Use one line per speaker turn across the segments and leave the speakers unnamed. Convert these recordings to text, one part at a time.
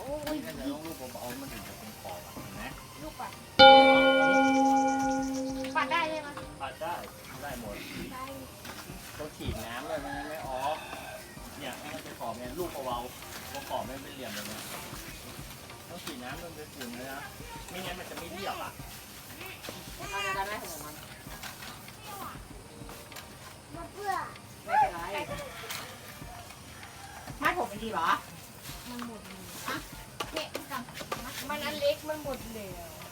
นี่ถ้าจะต้องลูกเบาๆมันถึงจะเป็นขอบเห็นไหม
ลูกปัดปัดได้ใช่ไหม
ปัดได้หมด
ได้
ต้องฉีดน้ำเลยมันไม่ออกเนี่ยให้มันเป็นขอบเนี่ยลูกเบาๆตัวขอบไม่เป็นเหลี่ยมเลยนะต้องฉีดน้ำจนเป็นฝุ่นเลยนะไม่งั้นมันจะไม่เรียบอ่ะ
เอาได้ไหมของมัน
มาเพื่อ
ไม่เป็นไรมัดผมดีเหรอ
มันหมดเลยอะเนี่ยกับมันอันเล็กมันหมดแล้ว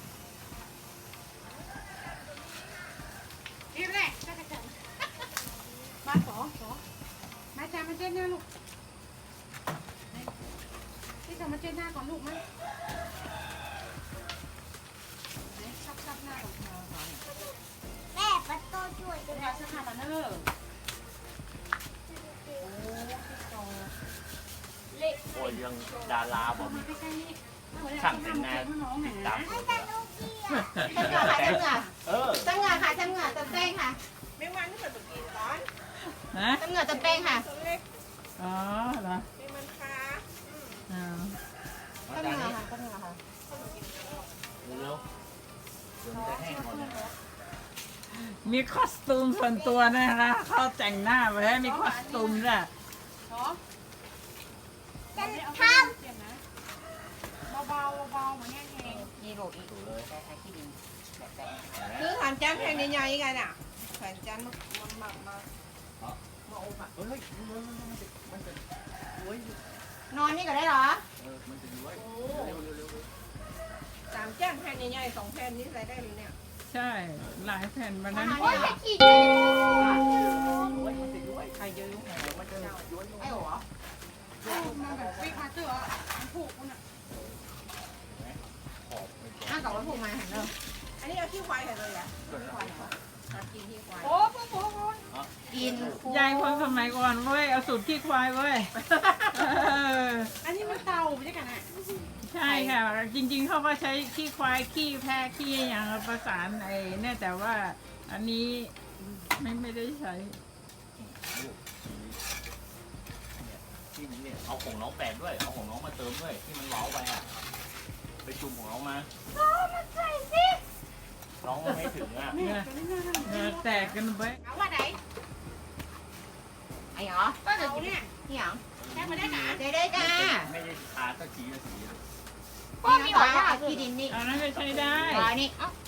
นี่แหละก็จะมาสอมาจามาเช็ดหน้าลูกที่จะมาเช็ดหน้าก่อนลูกมั้ยซับหน้าก่อน
แม่ปัดโตช่วย
เป็นยาเสื้อผ้ามาเนอะ
เล็ก
โอ้ยยังดาราบ
เอา
อก
มาใกล้ๆนี่
ช่างแต่งงาน
น้องห
ติด
นา
ตาม
ให้แต่ลูกเกียร์
จำเหงื่อค่ะจำเหงื่อ
เออ
จำเหงื่อค่ะจำเหงื่อจำแป้งค่ะ
ไม่วันที่เปิดกินร้อน
ฮะ
จำเหงื่อจำแป้งค่ะ
ตัวเล็ก
อ๋อเหรอ
เป็นมันคา
อ๋อ
จำเหงื่อค่ะจำเหงื่อค่ะ
เร็วๆเดี๋ยวมันจะแห้งหมดเลย
มีคอสตูมส่วนตัวนะคะเขาแต่งหน้าไว้ให้มีคอสตูมด้วย
เนาะ
จะท
เปลี่ยนนะเบาๆเหมือนแห้ง
นี่โหลดอีก
ดูเลย
แต่ใช้ที่ดินแบบแต่
คือฐานจานแพงใหญ่ๆกันอ่ะฐานจานมาอบอ่ะ
เฮ้ยมันจะย้วย
นอนนี่ก็ได้เหรอ
มันจะย้วยเร็ว
สามจานแพงใหญ่ๆ2แผ่นนี่ใส่ได้เลยเนี่ย
ใช่หลายแผ่นวันนั้น
ำโอ้ยจะขี่ได้
ย้วยมันจะย้วย
ใครเยอะยุ่งแหง
มันจะย้วย
ไอ้หัว
มาแบบฟิกมาเจอมันผูกคุณอ่ะ
ขอบไม่พอ
อ้าวกับว่าผูกมาหันเนอะ
อันนี้เอาขี้ควายเลยอ่ะ
ควายเหรอตัดกินที่ควาย
โอ้โห
กิน
ยายคนสมัยก่อนเว้ยเอาสูตรขี้ควายเว้ยเออ
อันนี้มันเตาไม่ใช่กันอ่ะ
ใช่ค่ะ จริงๆเขาก็ใช้ขี้ควายขี้แพะขี้อย่างประสานไอ้เนี่ยแต่ว่าอันนี้ไม่ได้ใช้
ลูกที่เนี่ยเอาของน้องแปดด้วยเอาของน้องมาเติมด้วยที่มันเว้าไปอ่ะไปจุ่มของน้องมา
ใส่สิ
น้องไม่ถึงอ่ะ
เหงื่อแตกกันไป
เอาว่าไหน
ไอ้เหรอ
ก็เดี๋ยวเนี่ย
นี่เหรอ
แค่มาได้หนา
ได้ได้จ้า
ไม่ได้ทาสักทีละสี
พ่อมีหวาน
ที่ดินนี่
อันนั้นก็ใช้ได้
ร้อยนี่
เอ้า